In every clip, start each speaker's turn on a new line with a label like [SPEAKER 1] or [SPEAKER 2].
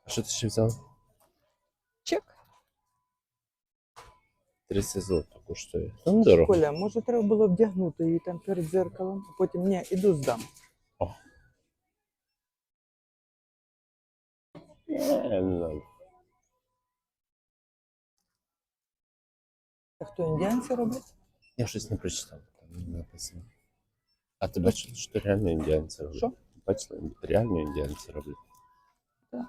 [SPEAKER 1] А що ти ще взяв?
[SPEAKER 2] Чек.
[SPEAKER 1] 30 злотих коштує. Там дорого.
[SPEAKER 2] Коля, може треба було вдягнути її там перед дзеркалом, а потім ні, іду здам.
[SPEAKER 1] О. Не знаю.
[SPEAKER 2] А хто індіанці роблять?
[SPEAKER 1] Я щось не прочитав, там не написано. А ти бачиш, що реально індіанці роблять?
[SPEAKER 2] Що?
[SPEAKER 1] Бачила, реально індіанці роблять.
[SPEAKER 2] Так.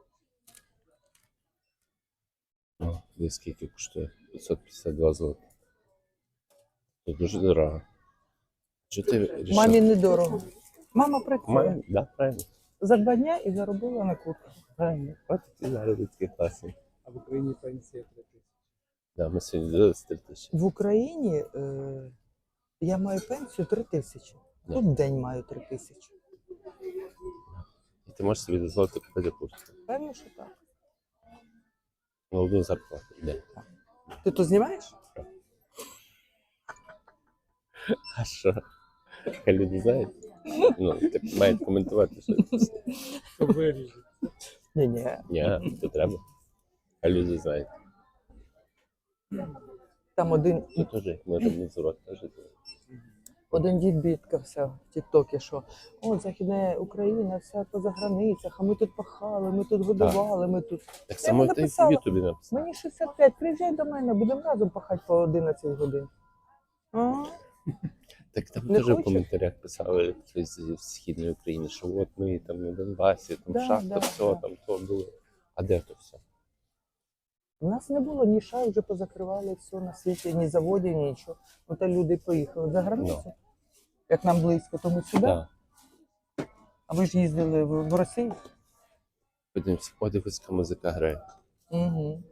[SPEAKER 1] О, десь скільки коштує? 552 злоти. Це дуже дорого. Що ти вирішив?
[SPEAKER 2] Мамі недорого. Мама працює.
[SPEAKER 1] Мамі? Да, правильно.
[SPEAKER 2] За 2 дня і заробила на куртку.
[SPEAKER 1] Правильно. От ті заробітки класні.
[SPEAKER 3] А в Україні пенсія 3 тисячі.
[SPEAKER 1] Да, ми сьогодні дивилися 3 тисячі.
[SPEAKER 2] В Україні я маю пенсію 3 тисячі.
[SPEAKER 1] Да.
[SPEAKER 2] Тут в день маю 3 тисячі.
[SPEAKER 1] І ти можеш собі дозволити купити куртку.
[SPEAKER 2] Певно, що так.
[SPEAKER 1] На одну зарплату. Де?
[SPEAKER 2] Ти то знімаєш?
[SPEAKER 1] А що? Хай люди знають. Ну, так мають коментувати, що.
[SPEAKER 3] Що виріжуть.
[SPEAKER 2] Ні.
[SPEAKER 1] Ні, це треба. Хай люди знають.
[SPEAKER 2] Там один
[SPEAKER 1] Це теж, як ми робимо зурок, теж.
[SPEAKER 2] дід бідкався в Тіктокі, що о, Західна Україна, вся поза границях, а ми тут пахали, ми тут годували, ми тут.
[SPEAKER 1] Так само
[SPEAKER 2] йому
[SPEAKER 1] ти в
[SPEAKER 2] написала.
[SPEAKER 1] Ютубі написав.
[SPEAKER 2] Мені 65, приїжджай до мене, будемо разом пахати по 11 годин. Ага.
[SPEAKER 1] Так там
[SPEAKER 2] Не
[SPEAKER 1] теж в
[SPEAKER 2] хочеш?
[SPEAKER 1] коментарях писали хтось з Східної України, що от ми там на Донбасі, там
[SPEAKER 2] Да,
[SPEAKER 1] шахта,
[SPEAKER 2] да,
[SPEAKER 1] все,
[SPEAKER 2] да.
[SPEAKER 1] там то було. А де то все?
[SPEAKER 2] У нас не було ні шай, вже позакривали все на світі, ні заводів, ні нічого. Ну та люди поїхали за границю, як нам близько, тому сюди.
[SPEAKER 1] Да.
[SPEAKER 2] А ви ж їздили в Росію?
[SPEAKER 1] Подивимося, подивися, музика грає.
[SPEAKER 2] Угу.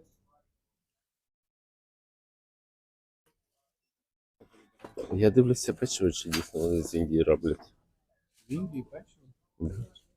[SPEAKER 1] Я дивлюся печиво, чи дійсно вони з Індії роблять.
[SPEAKER 3] В Індії печиво?
[SPEAKER 1] Да.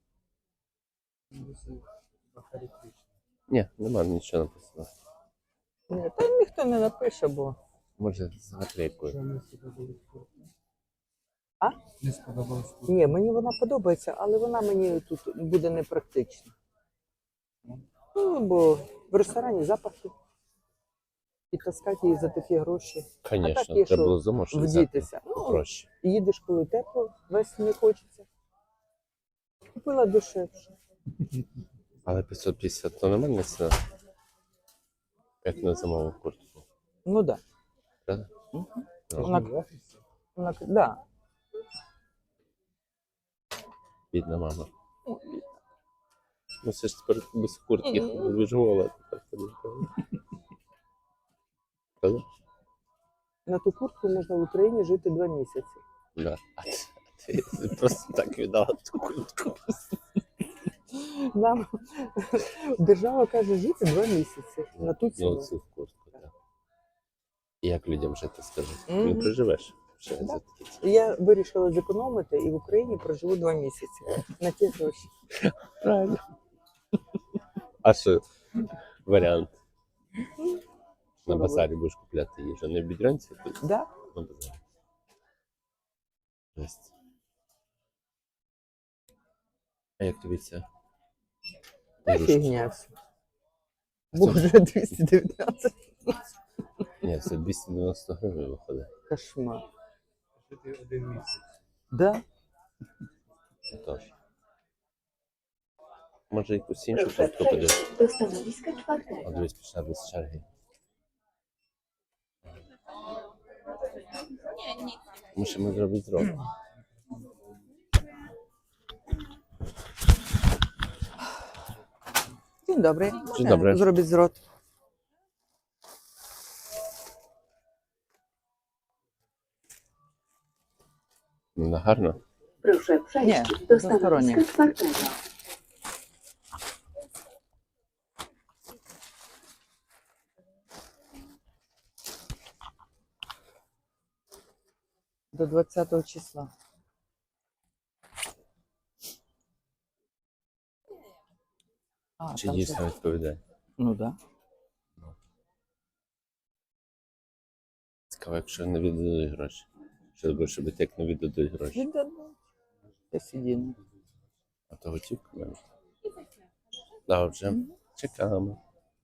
[SPEAKER 3] Бахарі-Кришна.
[SPEAKER 1] Ні, нема нічого написано.
[SPEAKER 2] Ні, та ніхто не напише, бо.
[SPEAKER 1] Може, з наклейкою.
[SPEAKER 3] Що не сподобалось куртка?
[SPEAKER 2] А?
[SPEAKER 3] Не сподобалось куртка.
[SPEAKER 2] Ні, мені вона подобається, але вона мені тут буде непрактична. Ну, бо в ресторані запахи. І таскати її за такі гроші.
[SPEAKER 1] Звісно,
[SPEAKER 2] так є,
[SPEAKER 1] треба
[SPEAKER 2] що
[SPEAKER 1] було замовити взяти
[SPEAKER 2] Вдітися. Ну,
[SPEAKER 1] проще.
[SPEAKER 2] їдеш, коли тепло, весь не хочеться. Купила дешевше.
[SPEAKER 1] Але 550 то нормальна ціна. Як на зимову куртку.
[SPEAKER 2] Ну так.
[SPEAKER 1] Правда?
[SPEAKER 2] Да.
[SPEAKER 1] Ну,
[SPEAKER 2] Вона,
[SPEAKER 3] В офісі?
[SPEAKER 2] да.
[SPEAKER 1] бідна мама. Ну це ж тепер без куртки виживала. Правда?
[SPEAKER 2] На ту куртку можна в Україні жити 2 місяці.
[SPEAKER 1] Да. А ти просто так віддала ту куртку.
[SPEAKER 2] Нам держава каже жити 2 місяці на ту
[SPEAKER 1] Ну,
[SPEAKER 2] ціну.
[SPEAKER 1] цю куртку, так. І як людям жити, скажи?
[SPEAKER 2] Мгм.
[SPEAKER 1] Не проживеш ще
[SPEAKER 2] Да.
[SPEAKER 1] за такі ціни.
[SPEAKER 2] Я вирішила зекономити і в Україні проживу 2 місяці на ті гроші.
[SPEAKER 1] Правильно. А що варіант? На базарі будеш купляти їжу. Не в Бідрянці, тут
[SPEAKER 2] Да?
[SPEAKER 1] на базарі. Жесть. А як тобі це?
[SPEAKER 2] Та
[SPEAKER 1] Ігрушки?
[SPEAKER 2] фігня все. Боже, 219.
[SPEAKER 1] Ні, це 290 гривень виходить.
[SPEAKER 2] Кошмар.
[SPEAKER 3] Жити 1 місяць.
[SPEAKER 2] Да?
[SPEAKER 1] Тож. Може якусь іншу картку подивитися?
[SPEAKER 4] Do stanowiska
[SPEAKER 1] А
[SPEAKER 4] czwartego.
[SPEAKER 1] дивись, пішла без черги. Musimy zrobić zrobić.
[SPEAKER 2] Dzień dobry.
[SPEAKER 1] Dzień dobry.
[SPEAKER 2] Zrobić zwrot.
[SPEAKER 1] No гарно.
[SPEAKER 4] Proszę przejść
[SPEAKER 2] Nie,
[SPEAKER 4] do
[SPEAKER 2] dwustoronnie.
[SPEAKER 4] stanowiska czwartego.
[SPEAKER 2] До 20 числа. А,
[SPEAKER 1] Чи
[SPEAKER 2] там
[SPEAKER 1] дійсно
[SPEAKER 2] ще-
[SPEAKER 1] відповідає?
[SPEAKER 2] Ну да.
[SPEAKER 1] Цікаво, якщо не віддадуть гроші. Що робиш, щоб як не віддадуть гроші?
[SPEAKER 2] Віддадуть. Та сиділи.
[SPEAKER 1] А то готівка навіть. Добре. Чекаємо.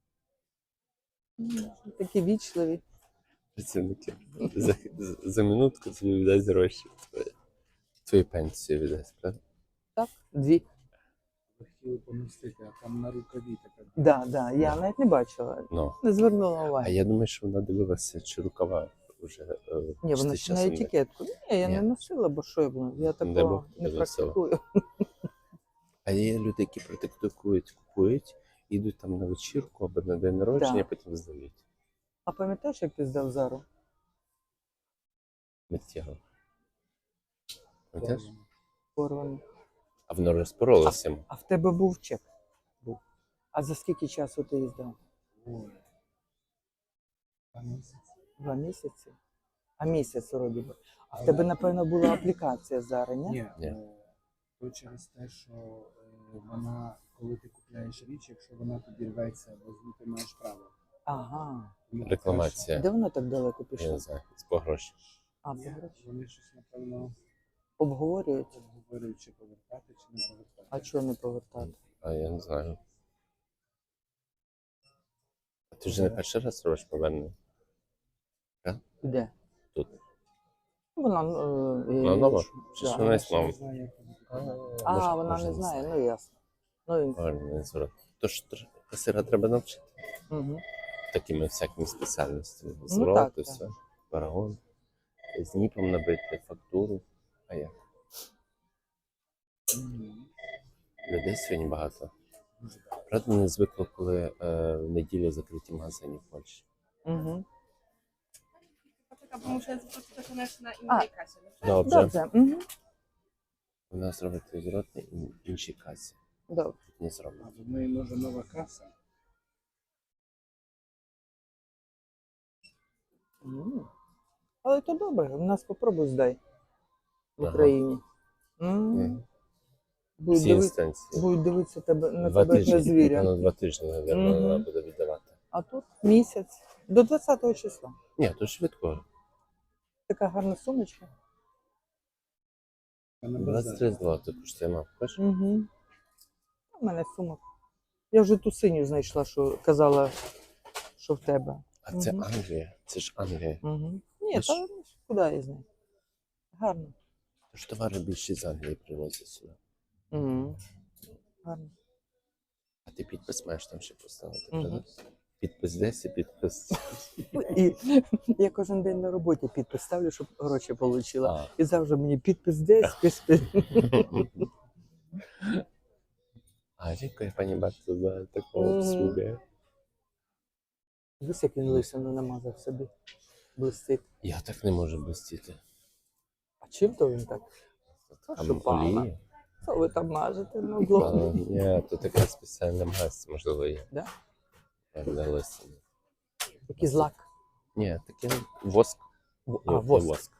[SPEAKER 2] Такі вічливі.
[SPEAKER 1] Працівники. За минутку тобі віддасть гроші. Твою пенсію віддасть, правда?
[SPEAKER 2] Так, 2.
[SPEAKER 3] Ви хотіли помістити, а там на рукаві така.
[SPEAKER 2] Да. Я навіть не бачила.
[SPEAKER 1] Ну.
[SPEAKER 2] Не звернула
[SPEAKER 1] А
[SPEAKER 2] уваги.
[SPEAKER 1] я думаю, що вона дивилася, чи рукава вже.
[SPEAKER 2] Ні, вона ще на етикетку. Ні, я не
[SPEAKER 1] Ні.
[SPEAKER 2] носила, бо що я буду. Я
[SPEAKER 1] Дай
[SPEAKER 2] такого
[SPEAKER 1] Бог,
[SPEAKER 2] не
[SPEAKER 1] не носила.
[SPEAKER 2] практикую.
[SPEAKER 1] А є люди, які практикують, купують, йдуть там на вечірку або на день народження,
[SPEAKER 2] Да.
[SPEAKER 1] потім здають.
[SPEAKER 2] А пам'ятаєш, як ти здав Зару?
[SPEAKER 1] Миттєво. Пам'ятаєш?
[SPEAKER 2] Порвану.
[SPEAKER 1] А воно розпоролося.
[SPEAKER 2] А в тебе був чек? Був. А за скільки часу ти її здав?
[SPEAKER 3] Ой. 2 місяці.
[SPEAKER 2] 2 місяці? А місяць вроді би. А в тебе, напевно, була аплікація Зари, ні?
[SPEAKER 3] Ні,
[SPEAKER 1] Ні.
[SPEAKER 3] то через те, що вона, коли ти купляєш річ, якщо вона тобі рветься, бо ти маєш право.
[SPEAKER 2] Ага.
[SPEAKER 3] Тому
[SPEAKER 1] Рекламація.
[SPEAKER 2] Де вона так далеко
[SPEAKER 1] Я
[SPEAKER 2] пішла?
[SPEAKER 1] не знаю, з по гроші.
[SPEAKER 2] А,
[SPEAKER 3] краще.
[SPEAKER 2] по
[SPEAKER 3] Ні,
[SPEAKER 2] гроші.
[SPEAKER 3] вони щось, напевно,
[SPEAKER 2] Обговорюють?
[SPEAKER 3] обговорюють, чи повертати, чи не повертати.
[SPEAKER 2] А чого не повертати?
[SPEAKER 1] А я не знаю. А ти вже не перший раз робиш повернення?
[SPEAKER 2] Де?
[SPEAKER 1] Тут.
[SPEAKER 2] Вона
[SPEAKER 1] Вона нова? Чи
[SPEAKER 2] Да.
[SPEAKER 1] ж вона
[SPEAKER 3] Я
[SPEAKER 1] існова?
[SPEAKER 3] не знаю, як вони повертають.
[SPEAKER 2] А, вона не знає, ну ясно. Ну,
[SPEAKER 1] Повернення зворот. Тож касира треба навчити.
[SPEAKER 2] угу.
[SPEAKER 1] Такими всякими спеціальностями.
[SPEAKER 2] так,
[SPEAKER 1] Зворот,
[SPEAKER 2] так.
[SPEAKER 1] все. Парагон. З ніпом набити фактуру. А як?
[SPEAKER 3] Мгм.
[SPEAKER 1] Людей сьогодні багато.
[SPEAKER 3] Дуже багато.
[SPEAKER 1] Правда, не звикло, коли в неділю закриті магазини в Польщі.
[SPEAKER 2] Угу.
[SPEAKER 4] Bo muszę zaprosić też na innej kasie. Dobrze?
[SPEAKER 1] Добре.
[SPEAKER 2] Добре. Угу.
[SPEAKER 1] У нас робить зворот на іншій касі.
[SPEAKER 2] Добре.
[SPEAKER 1] Тут не
[SPEAKER 3] А
[SPEAKER 1] зроблено.
[SPEAKER 3] в неї може нова каса.
[SPEAKER 2] Але то добре, у нас попробуй здай в
[SPEAKER 1] Ага.
[SPEAKER 2] Україні.
[SPEAKER 1] Мгм.
[SPEAKER 2] Будуть,
[SPEAKER 1] Всі інстанції.
[SPEAKER 2] будуть дивитися тебе, на
[SPEAKER 1] 2
[SPEAKER 2] тебе як на
[SPEAKER 1] тижні.
[SPEAKER 2] звіря.
[SPEAKER 1] Напевно, 2 тижні, мабуть,
[SPEAKER 2] Мгм.
[SPEAKER 1] вона буде віддавати.
[SPEAKER 2] А тут місяць. До 20 числа.
[SPEAKER 1] Ні, то швидко.
[SPEAKER 2] Така гарна сумочка.
[SPEAKER 3] А на базарі.
[SPEAKER 1] 23 злоти коштує, мав. Бачиш?
[SPEAKER 2] Угу. У мене сумок. Я вже ту синю знайшла, що казала, що в тебе.
[SPEAKER 1] А це
[SPEAKER 2] Мгм.
[SPEAKER 1] Англія. Це ж Англія.
[SPEAKER 2] Угу. Ні,
[SPEAKER 1] Бачиш?
[SPEAKER 2] та куди я знаю. Гарно.
[SPEAKER 1] Тож товари більше з Англії привозять сюди.
[SPEAKER 2] Угу. Гарно.
[SPEAKER 1] А ти підпис маєш там ще поставити,
[SPEAKER 2] Мгм.
[SPEAKER 1] правда? Підпис десь і підпис.
[SPEAKER 2] І я кожен день на роботі підпис ставлю, щоб гроші отримала.
[SPEAKER 1] А.
[SPEAKER 2] І завжди мені підпис десь, підпис.
[SPEAKER 1] А dziękuję Pani bardzo za taką
[SPEAKER 2] Mhm.
[SPEAKER 1] obsługę.
[SPEAKER 2] Дивись, як він лисину намазав собі. Блистить.
[SPEAKER 1] Я так не можу блистіти.
[SPEAKER 2] А чим то він так?
[SPEAKER 1] Там
[SPEAKER 2] що пала?
[SPEAKER 1] олії.
[SPEAKER 2] Що ви там мажете на
[SPEAKER 1] А,
[SPEAKER 2] углу?
[SPEAKER 1] ні, то така спеціальна мазь, можливо, є.
[SPEAKER 2] Да?
[SPEAKER 1] Для лисини.
[SPEAKER 2] Такий злак.
[SPEAKER 1] Ні, таке воск.
[SPEAKER 2] А, воск.
[SPEAKER 1] Воск.